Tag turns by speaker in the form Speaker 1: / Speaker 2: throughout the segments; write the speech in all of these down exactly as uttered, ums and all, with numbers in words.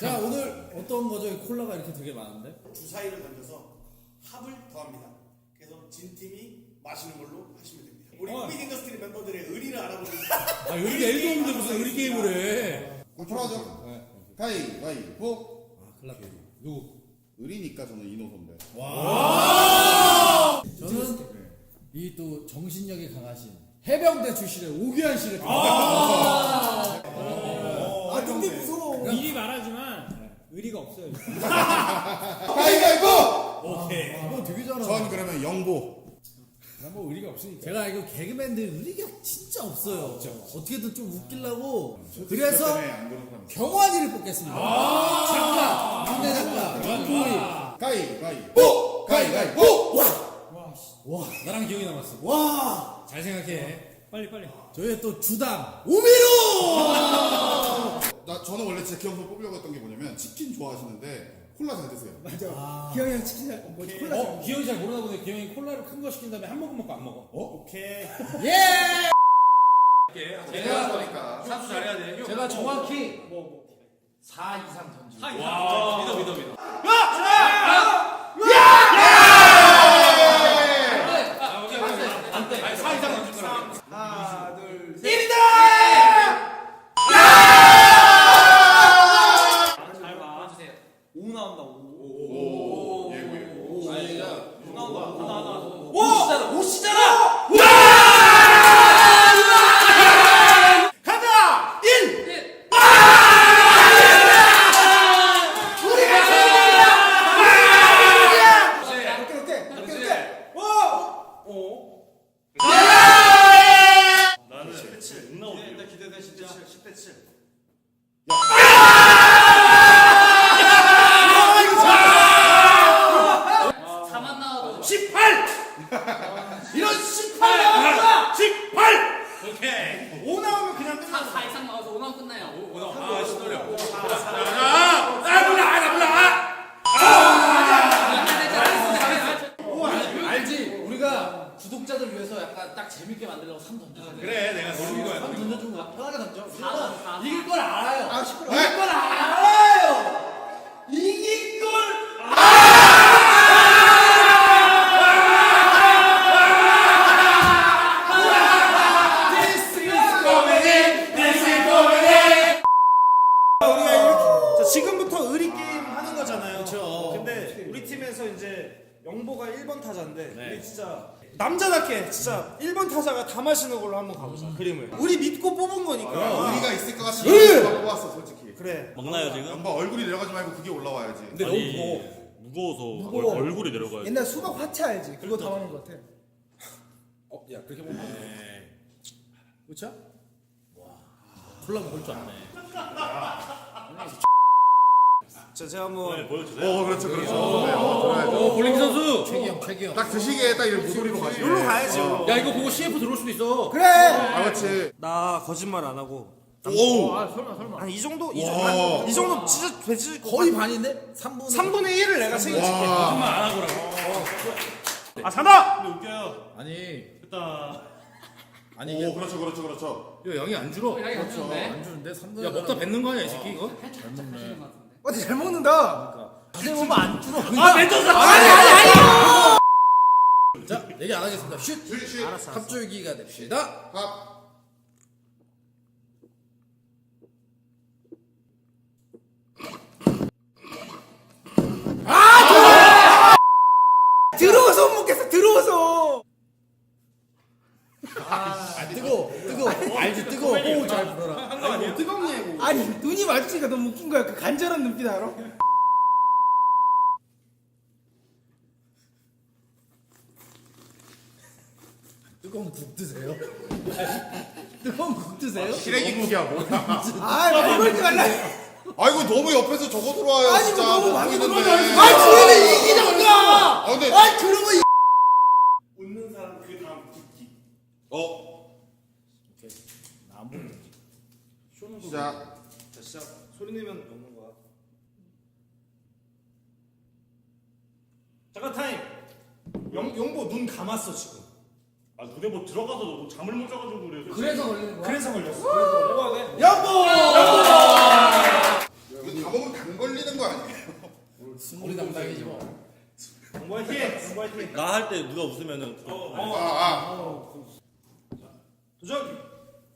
Speaker 1: 자, 오늘 어떤 거죠? 콜라가 이렇게 되게 많은데?
Speaker 2: 주사위를 던져서 합을 더합니다. 그래서 진 팀이 마시는 걸로 하시면 됩니다. 우리
Speaker 1: 어.
Speaker 2: 빅 인더스트리 멤버들의 의리를 알아보는
Speaker 1: 아, 의리 일도 없는데 무슨 의리 게임을 해?
Speaker 3: 그럼 풀어하죠.
Speaker 1: 네.
Speaker 3: 가위바위보.
Speaker 1: 아, 큰일 났다. 누구?
Speaker 3: 의리니까 저는 이노 선배.
Speaker 1: 와! 저는 이 또 정신력이 강하신 해병대 출신의 오규환 씨를 아,
Speaker 2: 아 근데 무서워.
Speaker 4: 미리 말하지만 의리가 없어요.
Speaker 3: 가위바위보.
Speaker 1: 오케이. 이거 되게 잘하네.
Speaker 3: 전 그러면 영보.
Speaker 1: 뭐 의리가 없으니까. 제가 알기로 개그맨들 의리가 진짜 없어요. 어떻게든 좀 웃기려고. 그래서
Speaker 3: 때문에 안 그런 사람 있어요.
Speaker 1: 경환이를 뽑겠습니다. 작가, 막내 작가, 정토리.
Speaker 3: 가위바위보. 가위바위보.
Speaker 1: 와, 나랑 기억이 남았어.
Speaker 3: 와.
Speaker 1: 잘 생각해.
Speaker 4: 빨리 빨리.
Speaker 1: 저희의 또 주당 오미로.
Speaker 3: 나 저는 원래 진짜 기영선 뽑으려고 했던 게 뭐냐면 치킨 좋아하시는데 콜라 잘 드세요.
Speaker 1: 아.
Speaker 5: 기영이 형 치킨 잘 뭐, 콜라 잘
Speaker 1: 어, 기영이 잘 모르나 보네. 기영이 콜라를 큰 거 시킨 다음에 한 모금 먹고 안 먹어. 어?
Speaker 2: 오케이.
Speaker 1: 예!
Speaker 3: 제가 보니까
Speaker 6: 사수 잘해야 돼.
Speaker 1: 제가 정확히 사 이상 던지고.
Speaker 6: 와, 믿어 믿어 믿어. 아니, 사 이상 던질 거라고.
Speaker 2: 하나 둘 셋.
Speaker 4: 잘 봐주세요. 오 나온다. 오.
Speaker 3: 오. 예고 예고.
Speaker 6: 아니, 야,
Speaker 4: 오 나온다. 하나 하나.
Speaker 6: 오!
Speaker 4: 오시잖아. 오시잖아.
Speaker 2: 가자. 일.
Speaker 5: 어때 어때 어때 어때
Speaker 6: 나는 십 대 칠. 응 나오고. 일단 기대돼 진짜.
Speaker 2: 십 대 칠.
Speaker 4: 사만 나와도
Speaker 2: 십팔. 이런 십팔 나왔다. 십팔.
Speaker 6: 오케이.
Speaker 2: 오 나오면 그냥 끝나.
Speaker 4: 사 이상 나와서 오 나오면 끝나요.
Speaker 6: 오, 나 아, 신노려.
Speaker 2: 나 몰라. 나 몰라.
Speaker 1: 알지? 우리가 구독자들 위해서 약간 딱 재밌게 만들려고 삼 던져야 돼.
Speaker 6: 그래, 내가 노린 거야.
Speaker 1: 삼 던져준 거야. 편하게 던져.
Speaker 4: 사, 사.
Speaker 1: 이길 걸 알아요.
Speaker 5: 아 시끄러
Speaker 1: 이길 걸 알아요. 이길 걸.
Speaker 2: 우리가 이렇게 자, 지금부터 의리 게임 하는 거잖아요.
Speaker 1: 그쵸.
Speaker 2: 근데 우리 팀에서 이제 영보가 일 번 타자인데
Speaker 1: 네.
Speaker 2: 우리 진짜 남자답게 진짜 일 번 타자가 다 마시는 걸로 한번 가보자. 그림을. 우리 믿고 뽑은 거니까.
Speaker 3: 의리가 있을 것 같이 내가 뽑았어 솔직히.
Speaker 2: 그래.
Speaker 6: 먹나요 지금?
Speaker 3: 양봐 얼굴이 내려가지 말고 그게 올라와야지.
Speaker 1: 근데 너무 무거워.
Speaker 6: 무거워서
Speaker 5: 무거워.
Speaker 6: 얼, 얼굴이 내려가요.
Speaker 5: 옛날 수박 화채 알지? 그거 담아놓은 것 같아.
Speaker 1: 어, 야 그렇게 보면 그렇죠? 와, 콜라 먹을 줄 아네.
Speaker 2: 자, 제가 한번
Speaker 6: 네, 보여주세요.
Speaker 3: 어 그렇죠 그렇죠. 네, 어, 들어야죠.
Speaker 1: 어, 볼링 선수. 최기영, 최기영.
Speaker 3: 딱 드시기에 딱 이런 목소리로 가시네.
Speaker 2: 여기로 가야죠.
Speaker 1: 야 이거 보고 씨에프 들어올 수도 있어.
Speaker 5: 그래.
Speaker 3: 아 그렇지.
Speaker 2: 나 거짓말 안 하고
Speaker 3: 오.
Speaker 1: 아 설마 설마.
Speaker 2: 한 이 정도 이
Speaker 3: 와.
Speaker 2: 정도 한, 이 정도 진짜 되지
Speaker 1: 거의 반인데? 삼 분.
Speaker 2: 삼분의 일을 내가 책임질게.
Speaker 3: 와.
Speaker 6: 정말 안 하고라고.
Speaker 2: 아 산다.
Speaker 6: 근데 웃겨요.
Speaker 1: 아니
Speaker 6: 됐다.
Speaker 1: 아니 이게
Speaker 3: 오 그렇죠 그렇죠 그렇죠.
Speaker 1: 이거 양이 안 줄어.
Speaker 4: 양이 안 주는데?
Speaker 1: 안 주는데 삼 분.
Speaker 4: 야, 먹다
Speaker 1: 뱉는 거 아니야 이 새끼 이거?
Speaker 4: 잘 먹네.
Speaker 5: 어, 잘 먹는다.
Speaker 1: 자세히 보면 안 줄어.
Speaker 4: 아 멘토스.
Speaker 1: 아니 아니 아니. 자 얘기 안 하겠습니다. 슛.
Speaker 3: 슛 슛.
Speaker 1: 합줄기가 됩시다.
Speaker 3: 합.
Speaker 5: 들어와서 못 먹겠어. 들어와서.
Speaker 1: 아 뜨거 뜨거. 알지 뜨거. 호흡 잘 불어라.
Speaker 6: 한 거 아니에요?
Speaker 2: 뜨겁네.
Speaker 5: 아니 눈이 마주치니까 너무 웃긴 거야. 그 간절한 눈빛 알아?
Speaker 1: 뜨거운 국 드세요? 뜨거운 국 드세요?
Speaker 3: 시래기국이야 뭐야.
Speaker 5: 아 많이 걸지 말라.
Speaker 3: 아이고 너무 옆에서 저거 들어와요
Speaker 5: 아니
Speaker 3: 진짜.
Speaker 5: 뭐 너무
Speaker 3: 못
Speaker 5: 많이
Speaker 3: 보이는데.
Speaker 5: 들어와. 아 주인은 이기잖아.
Speaker 3: 아 근데
Speaker 5: 아 그런 거.
Speaker 2: 웃는 사람 그 다음 듣기.
Speaker 3: 어 시작.
Speaker 2: 자 시작. 소리 내면 먹는 거야. 잠깐 타임. 영 영보 눈 감았어 지금.
Speaker 6: 아 눈에 뭐 들어가서 뭐 잠을 못 자가지고 그래요.
Speaker 1: 그래서 걸리는 거야?
Speaker 2: 그래서 걸렸어. 그래서 먹어야 돼.
Speaker 5: 여보.
Speaker 3: 이거 다 먹으면 단
Speaker 1: 정상이지 뭐.
Speaker 2: 정보 화이팅! 정보 화이팅!
Speaker 6: 나 할 때 누가 웃으면은
Speaker 2: 어,
Speaker 3: 아, 아.
Speaker 2: 도전!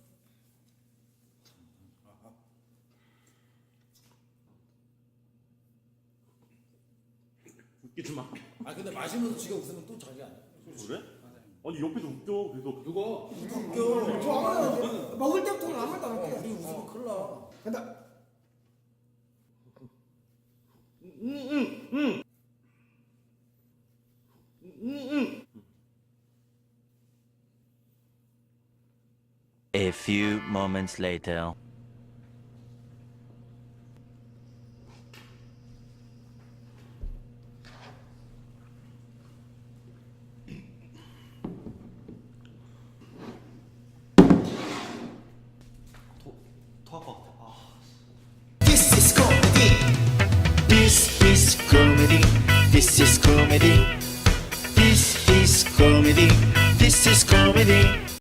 Speaker 6: 웃기지 마.
Speaker 1: 아 근데 마시면서 지가 웃으면 또 자기 아니야.
Speaker 6: 그래? 아니 옆에서 웃겨 계속.
Speaker 1: 누가?
Speaker 5: 웃겨. 저 아무 말도 안 해. 먹을 때부터는 아무 말도 안 할게.
Speaker 1: 우리 웃으면 큰일 나.
Speaker 5: 간다.
Speaker 7: A few moments later.
Speaker 8: This is comedy. This is comedy. This is comedy. This is comedy. This is comedy.